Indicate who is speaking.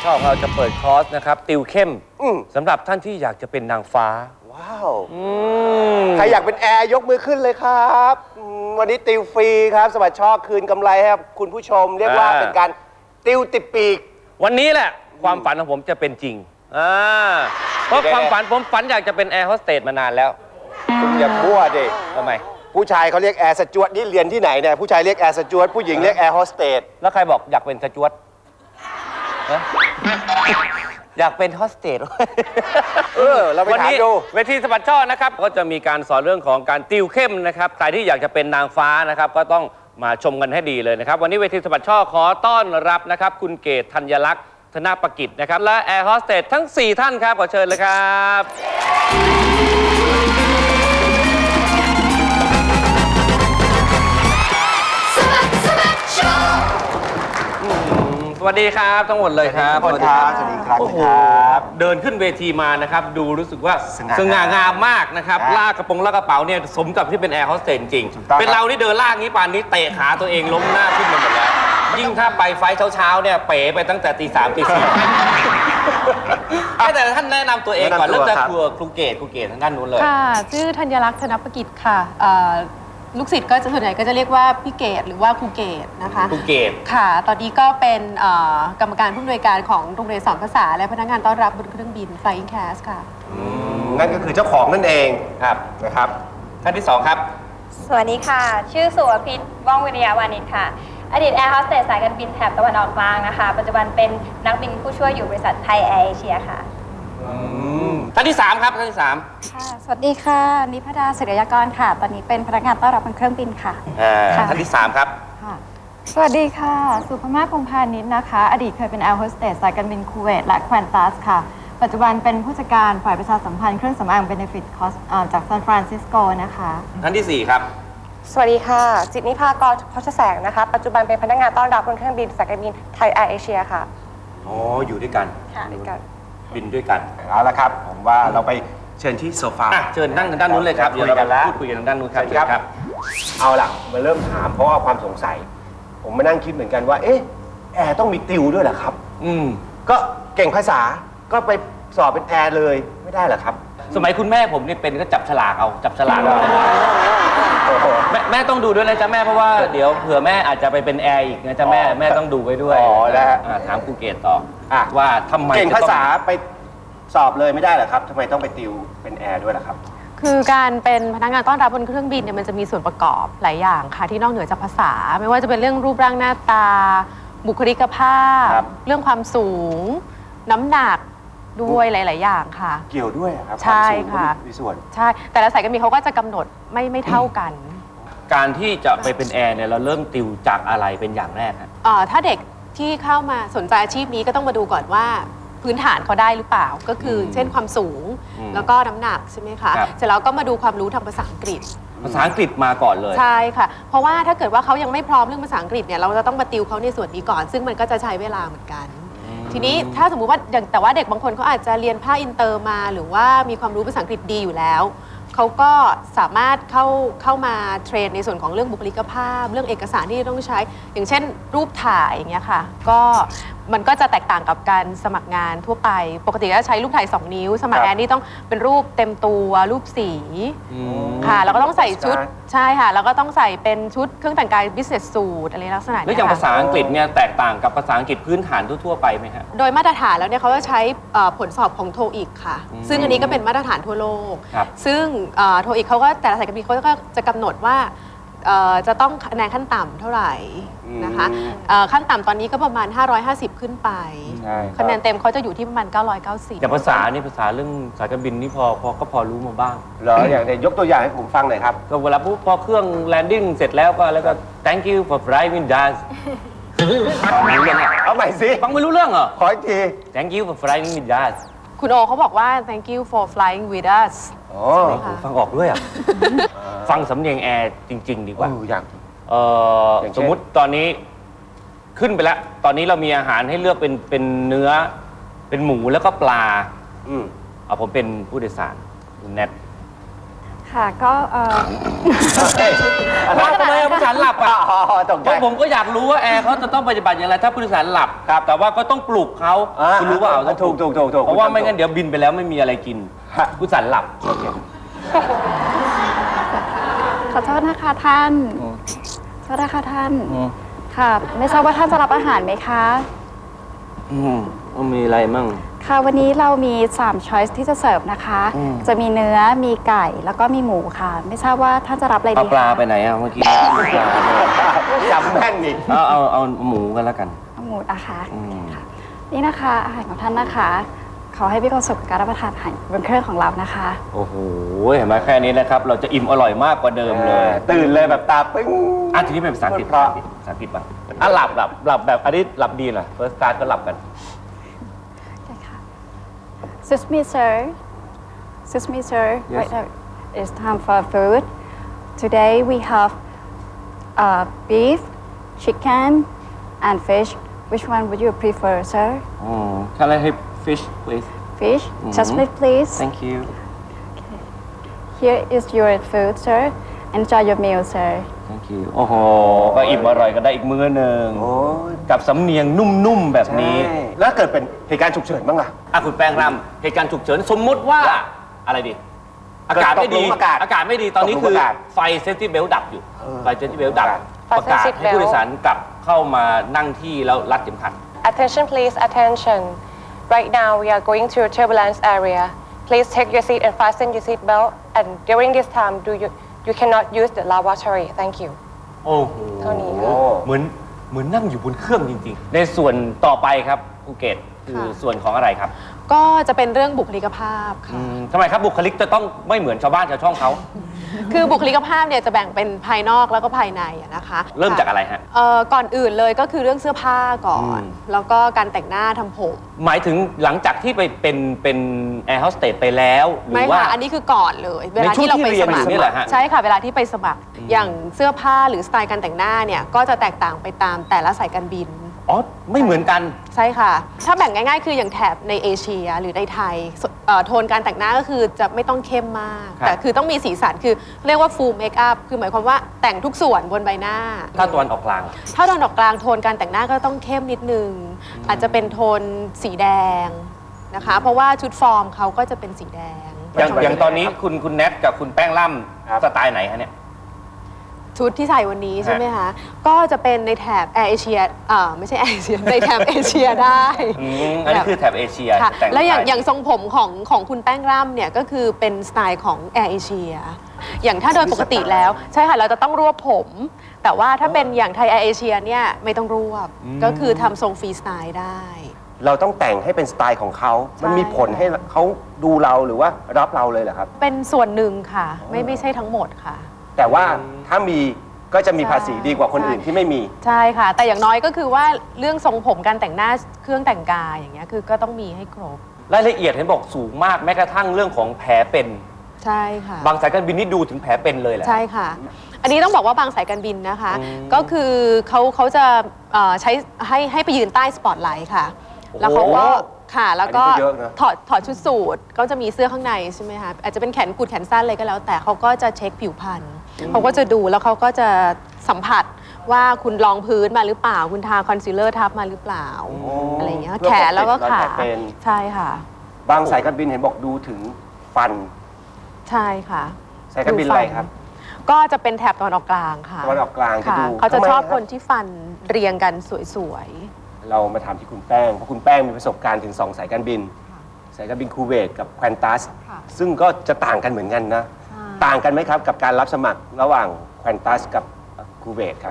Speaker 1: ช่องเราจะเปิดคอร์สนะครับติวเข้มสำหรับท่านที่อยากจะเป็นนางฟ้า
Speaker 2: ว้าวใครอยากเป็นแอร์ยกมือขึ้นเลยครับวันนี้ติวฟรีครับสวัสดิ์ช่อคืนกำไรให้คุณผู้ชมเรียกว่าเป็นการติวติดปีก
Speaker 1: วันนี้แหละความฝันของผมจะเป็นจริงเพราะความฝันผมฝันอยากจะเป็นแอร์โฮสเตสมานานแล้ว
Speaker 2: คุณอย่ามั่วดิ
Speaker 1: ทำไม
Speaker 2: ผู้ชายเขาเรียกแอร์สจ๊วตนี่เรียนที่ไหนเนี่ยผู้ชายเรียกแอร์สจ๊วตผู้หญิงเรียกแอร์โฮสเตส
Speaker 1: แล้วใครบอกอยากเป็นสจ๊วตอยากเป็นโฮสเตส
Speaker 2: เราไปถามดู
Speaker 1: เวทีสะบัดช่อนะครับก็จะมีการสอนเรื่องของการติวเข้มนะครับใครที่อยากจะเป็นนางฟ้านะครับก็ต้องมาชมกันให้ดีเลยนะครับวันนี้เวทีสะบัดช่อขอต้อนรับนะครับคุณเกศธัญลักษณ์ธนประกิจนะครับและแอร์โฮสเตสทั้ง4ท่านครับขอเชิญเลยครับสวัสดีครับทั้งหมดเลยครับ
Speaker 2: สวัสดีครับสวัสดีครับ
Speaker 1: โอ้โหเดินขึ้นเวทีมานะครับดูรู้สึกว่าสง่างามมากนะครับลากกระกระเป๋าเนี่ยสมกับที่เป็นแอร์โฮสเตสจริงเป็นเราที่เดินลากนี้ป่านนี้เตะขาตัวเองล้มหน้าขึ้นมาหมดแล้วยิ่งถ้าไปไฟเช้าเนี่ยเป๋ไปตั้งแต่ตี3ตี4แต่ท่านแนะนำตัวเองก่อนเริ่มจากครูเกศทางด้านนู้นเลย
Speaker 3: ค่ะชื่อธัญลักษณ์ธนประกิจค่ะลูกศิษย์ก็ส่วนใหญ่ก็จะเรียกว่าพี่เกศหรือว่าครูเกศนะคะ
Speaker 1: ครูเกศ
Speaker 3: ค่ะตอนนี้ก็เป็นกรรมการผู้อำนวยการของโรงเรียนสอนภาษาและพนักงานต้อนรับบนเครื่องบิน Flying Cast ค่ะ
Speaker 2: นั่นก็คือเจ้าของนั่นเองครับนะครับ
Speaker 1: ท่านที่2ครับ
Speaker 4: สวัสดีค่ะชื่อสุวพิษว่องวิริยาวานิชค่ะอดีตแอร์โฮสเตสสายการบินแถบตะวันออกกลางนะคะปัจจุบันเป็นนักบินผู้ช่วยอยู่บริษัทไทยแอร์เอเชียค่ะ
Speaker 1: ท่านที่3ครับท่านที่3
Speaker 5: ค่ะสวัสดีค่ะนิพดาศิริยากรค่ะตอนนี้เป็นพนักงานต้อนรับบนเครื่องบินค่ะ
Speaker 1: ท่านที่3ครับ
Speaker 5: สวัสดีค่ะสุภมาศ พงษ์พานิชนะคะอดีตเคยเป็นแอร์โฮสเตสสายการบินคูเวตและแควนตัสค่ะปัจจุบันเป็นผู้จัดการฝ่ายประชาสัมพันธ์เครื่องสำอางเบเนฟิตคอสจากซานฟรานซิสโกนะคะ
Speaker 1: ท่านที่4ครับ
Speaker 6: สวัสดีค่ะจิตนิภากรพชแสงนะคะปัจจุบันเป็นพนักงานต้อนรับบนเครื่องบินสายการบินไทยแอร์เอเชียค่ะ
Speaker 1: อ๋ออยู่ด้วยกัน
Speaker 6: ค่ะด้วยกัน
Speaker 1: บินด้วยกัน
Speaker 2: เอาละครับผมว่าเราไปเชิญที่โซฟา
Speaker 1: เชิญนั่งทางด้านนู้นเลยครับเดี๋ยวเราพูดคุยกันทางด้านนู้นครับ
Speaker 2: เอาล่ะมาเริ่มถามเพราะว่าความสงสัยผมมานั่งคิดเหมือนกันว่าเอ๊ะแอร์ต้องมีติวด้วยเหรอครับก็เก่งภาษาก็ไปสอบเป็นแอร์เลยไม่ได้เหรอครับ
Speaker 1: สมัยคุณแม่ผมนี่เป็นก็จับฉลากเอาแม่ต้องดูด้วยนะจ๊ะแม่เพราะว่าเดี๋ยวเผื่อแม่อาจจะไปเป็นแอร์อีกนะจ๊ะแม่ต้องดูไว้ด้วย
Speaker 2: แล้ว
Speaker 1: ถามครูเกศต่อว่าทำไม
Speaker 2: เก่งภาษาไปสอบเลยไม่ได้เหรอครับทำไมต้องไปติวเป็นแอร์ด้วยล่ะครับ
Speaker 3: คือการเป็นพนักงานต้อนรับบนเครื่องบินเนี่ยมันจะมีส่วนประกอบหลายอย่างค่ะที่นอกเหนือจากภาษาไม่ว่าจะเป็นเรื่องรูปร่างหน้าตาบุคลิกภาพเรื่องความสูงน้ำหนักด้วยหลายๆอย่างค่ะ
Speaker 2: เกี่ยวด้วยครับ
Speaker 3: ใช่ค่ะ
Speaker 2: มีส่วน
Speaker 3: ใช่แต่ละสายการบินเขาก็จะกำหนดไม่เท่ากัน
Speaker 1: การที่จะไปเป็นแอร์เนี่ยเราเริ่มติวจากอะไรเป็นอย่างแรก
Speaker 3: ถ้าเด็กที่เข้ามาสนใจอาชีพนี้ก็ต้องมาดูก่อนว่าพื้นฐานเขาได้หรือเปล่าก็คือเช่นความสูงแล้วก็น้ำหนักใช่ไหมคะเสร็จแล้วก็มาดูความรู้ทางภาษาอังกฤษ
Speaker 1: มาก่อนเลย
Speaker 3: ใช่ค่ะเพราะว่าถ้าเกิดว่าเขายังไม่พร้อมเรื่องภาษาอังกฤษเนี่ยเราจะต้องมาติวเขาในส่วนนี้ก่อนซึ่งมันก็จะใช้เวลาเหมือนกันทีนี้ถ้าสมมุติว่าแต่ว่าเด็กบางคนเขาอาจจะเรียนภาคอินเตอร์มาหรือว่ามีความรู้ภาษาอังกฤษดีอยู่แล้วเขาก็สามารถเข้ามาเทรนในส่วนของเรื่องบุคลิกภาพเรื่องเอกสารที่ต้องใช้อย่างเช่นรูปถ่ายอย่างเงี้ยค่ะก็มันก็จะแตกต่างกับการสมัครงานทั่วไปปกติก็ใช้รูปถ่าย2 นิ้วสมัครแอนนี่ต้องเป็นรูปเต็มตัวรูปสีค่ะแล้วก็ต้องใส่ชุดใช่ค่ะแล้วก็ต้องใส่เป็นชุดเครื่องแต่งกาย business suit อะไรลักษณะนี้
Speaker 1: แล้วอย่างภาษาอังกฤษเนี่ยแตกต่างกับภาษาอังกฤษพื้นฐานทั่วๆไปไหมฮะ
Speaker 3: โดยมาตรฐานแล้วเนี่ยเขาจะใช้ผลสอบของ TOEIC ค่ะซึ่งอันนี้ก็เป็นมาตรฐานทั่วโลกซึ่งTOEICเขาก็แต่ละสายการบินเขาก็จะกำหนดว่าจะต้องคะแนนขั้นต่ำเท่าไหร่นะคะขั้นต่ำตอนนี้ก็ประมาณ550ขึ้นไปคะแนนเต็มเขาจะอยู่ที่ประมาณ990
Speaker 1: แต่ภาษานี่ภาษาเรื่องสายการบินนี่พอรู้มาบ้าง
Speaker 2: เหรออย่างยกตัวอย่างให้ผมฟังหน่อยครับ
Speaker 1: ก็เวลาพอเครื่องแลนดิ้งเสร็จแล้วก็ thank you for flying with us
Speaker 2: เอาใหม่สิ
Speaker 1: ฟังไม่รู้เรื่องเหรอ
Speaker 2: ขออีกที
Speaker 1: thank you for flying with us
Speaker 3: คุณโอเขาบอกว่า thank you for flying with us
Speaker 1: ฟังออกด้วยอ่ะฟังสำเนียงแอร์จริงๆดีกว่า
Speaker 2: อย่าง
Speaker 1: สมมุติตอนนี้ขึ้นไปแล้วตอนนี้เรามีอาหารให้เลือกเป็นเนื้อเป็นหมูแล้วก็ปลาผมเป็นผู้โดยสารคุณแนท
Speaker 5: ค่ะก็
Speaker 1: ว่าทำไมผู้โดยสารหลับอ่ะ
Speaker 2: ตกใจ
Speaker 1: เพราะผมก็อยากรู้ว่าแอร์เขาจะต้องปฏิบัติอย่างไรถ้าผู้โดยสารหลับครับแต่ว่าก็ต้องปลุกเขาคุณรู้เปล่า
Speaker 2: ถูก
Speaker 1: เพราะว่าไม่งั้นเดี๋ยวบินไปแล้วไม่มีอะไรกินผู้โดยสารหลับโอเค
Speaker 5: ขอโทษนะคะท่านขอโทษนะคะท่านค่ะไม่ทราบว่าท่านจะรับอาหารไหมคะ
Speaker 1: มีอะไรมั่ง
Speaker 5: ค่ะวันนี้เรามี3 ช้อยส์ที่จะเสิร์ฟนะคะจะมีเนื้อมีไก่แล้วก็มีหมูค่ะไม่ทราบว่าท่านจะรับอะไรดี
Speaker 1: เอาปลาไปไหนอ่ะเมื่อกี้
Speaker 2: จำแม่นอีก
Speaker 1: เอาหมูกันแล้วกัน
Speaker 5: เอาหมูนะคะนี่นะคะอาหารของท่านนะคะขอให้มีความสุขกับการรับประทานอาหารบนเครื่องของเรานะคะ
Speaker 1: โอ้โหเห็นไหมแค่นี้นะครับเราจะอิ่มอร่อยมากกว่าเดิมเลย
Speaker 2: ตื่นเลยแบบตาปึ้ง
Speaker 1: ทีนี้เป็นภาษาอังกฤษบ้างหลับแบบอันนี้หลับดีหน่อย first class ก็หลับกัน
Speaker 5: Excuse me, sir. Excuse me, sir.
Speaker 1: Yes.
Speaker 5: Right now, it's time for food. Today we have beef, chicken, and fish. Which one would you prefer, sir?
Speaker 1: Can I have fish, please?
Speaker 5: Fish? Just please.
Speaker 1: Thank you.
Speaker 5: Okay. Here is your food, sir. Enjoy your meal, sir.
Speaker 1: Thank you. โอ้โหก็อิ่มอร่อยกันได้อีกมื้อหนึ่งกับสำเนียงนุ่มๆแบบนี้
Speaker 2: แล้วเกิดเป็นเหตุการณ์ฉุกเฉินบ้างล่ะ
Speaker 1: คุณแป้งรำเหตุการณ์ฉุกเฉินสมมุติว่าอะไรดีอากาศไม่ดีอากาศไม่ดีตอนนี้คือไฟเซฟตี้เบลดับอยู่ไฟเซฟตี้เบลดับประกาศให้ผู้โดยสารกลับเข้ามานั่งที่แล้วรัดเข็มขัด
Speaker 6: Attention please attention right now we are going to a turbulence area please take your seat and fasten your seat belt and during this time you cannot use the lavatory thank you
Speaker 1: โอ้โห
Speaker 6: เท่านี้
Speaker 1: เหมือนนั่งอยู่บนเครื่องจริงๆในส่วนต่อไปครับภูเก็ตคือส่วนของอะไรครับ
Speaker 3: ก็จะเป็นเรื่องบุคลิกภาพค่ะ
Speaker 1: ทำไมครับบุคลิกจะต้องไม่เหมือนชาวบ้านชาวช่องเขา
Speaker 3: คือบุคลิกภาพเนี่ยจะแบ่งเป็นภายนอกแล้วก็ภายในนะคะ
Speaker 1: เริ่มจากอะไรฮะ
Speaker 3: ก่อนอื่นเลยก็คือเรื่องเสื้อผ้าก่อนแล้วก็การแต่งหน้าทำผม
Speaker 1: หมายถึงหลังจากที่ไปเป็นแอร์โฮสเตสไปแล้วหรือว่า
Speaker 3: อันนี้คือก่อนเลยเวลาที่เราไปสมัคร
Speaker 1: นี่แหละฮะ
Speaker 3: ใช่ค่ะเวลาที่ไปสมัครอย่างเสื้อผ้าหรือสไตล์การแต่งหน้าเนี่ยก็จะแตกต่างไปตามแต่ละสายการบิน
Speaker 1: ไม่เหมือนกัน
Speaker 3: ใช่ค่ะถ้าแบ่งง่ายๆคืออย่างแถบในเอเชียหรือในไทยโทนการแต่งหน้าก็คือจะไม่ต้องเข้มมากแต่คือต้องมีสีสันคือเรียกว่า full make up คือหมายความว่าแต่งทุกส่วนบนใบหน้า
Speaker 1: ถ้าตะวันออกกลาง
Speaker 3: ถ้าตะวันออกกลางโทนการแต่งหน้าก็ต้องเข้มนิดนึงอาจจะเป็นโทนสีแดงนะคะเพราะว่าชุดฟอร์มเขาก็จะเป็นสีแดง
Speaker 1: อย่างตอนนี้คุณแนทกับคุณแป้งล่ำสไตล์ไหนคะเนี่ย
Speaker 3: ชุดที่ใส่วันนี้ใช่ไหมคะก็จะเป็นในแถบแอร์เอเชียไม่ใช่แอร์เอเชียในแถบเอเชียได้
Speaker 1: อันนี้คือแถบเอเชีย
Speaker 3: แล้วอย่างทรงผมของคุณแป้งร่ำเนี่ยก็คือเป็นสไตล์ของแอร์เอเชียอย่างถ้าโดยปกติแล้วใช่ค่ะเราจะต้องรวบผมแต่ว่าถ้าเป็นอย่างไทยแอร์เอเชียเนี่ยไม่ต้องรวบก็คือทำทรงฟรีสไตล์ได้
Speaker 2: เราต้องแต่งให้เป็นสไตล์ของเขามันมีผลให้เขาดูเราหรือว่ารับเราเลยเหรอครับ
Speaker 3: เป็นส่วนหนึ่งค่ะไม่ใช่ทั้งหมดค่ะ
Speaker 2: แต่ว่าถ้ามีก็จะมีภาษีดีกว่าคนอื่นที่ไม่มี
Speaker 3: ใช่ค่ะแต่อย่างน้อยก็คือว่าเรื่องทรงผมการแต่งหน้าเครื่องแต่งกายอย่างเงี้ยคือก็ต้องมีให้ครบ
Speaker 1: รายละเอียดเห็นบอกสูงมากแม้กระทั่งเรื่องของแผลเป็น
Speaker 3: ใช่ค่ะ
Speaker 1: บางสายการบินนี่ดูถึงแผลเป็นเลยแหละ
Speaker 3: ใช่ค่ะอันนี้ต้องบอกว่าบางสายการบินนะคะก็คือเขาจะใช้ให้ไปยืนใต้สปอตไลท์ค่ะแล้วเขาก็ค่ะแล้วก็ถอดชุดสูทก็จะมีเสื้อข้างในใช่ไหมคะอาจจะเป็นแขนกุดแขนสั้นอะไรก็แล้วแต่เขาก็จะเช็คผิวพรรณเขาก็จะดูแล้วเขาก็จะสัมผัสว่าคุณรองพื้นมาหรือเปล่าคุณทาคอนซีลเลอร์ทับมาหรือเปล่าอะไรอย่างเงี้ยแขนแล้วก็ขาใช่ค่ะ
Speaker 2: บางสายการบินเห็นบอกดูถึงฟัน
Speaker 3: ใช่ค่ะ
Speaker 2: สายการบินอะไรครับ
Speaker 3: ก็จะเป็นแถบตะวันออกกลางค่ะ
Speaker 2: ตะวันออกกลางจะดู
Speaker 3: เขาจะชอบคนที่ฟันเรียงกันสวย
Speaker 2: ๆเรามาถามที่คุณแป้งเพราะคุณแป้งมีประสบการณ์ถึง2สายการบินสายการบินคูเวตกับแควอนตัสซึ่งก็จะต่างกันเหมือนกันนะต่างกันไหมครับกับการรับสมัครระหว่างแควอนตัสกับคูเวตครับ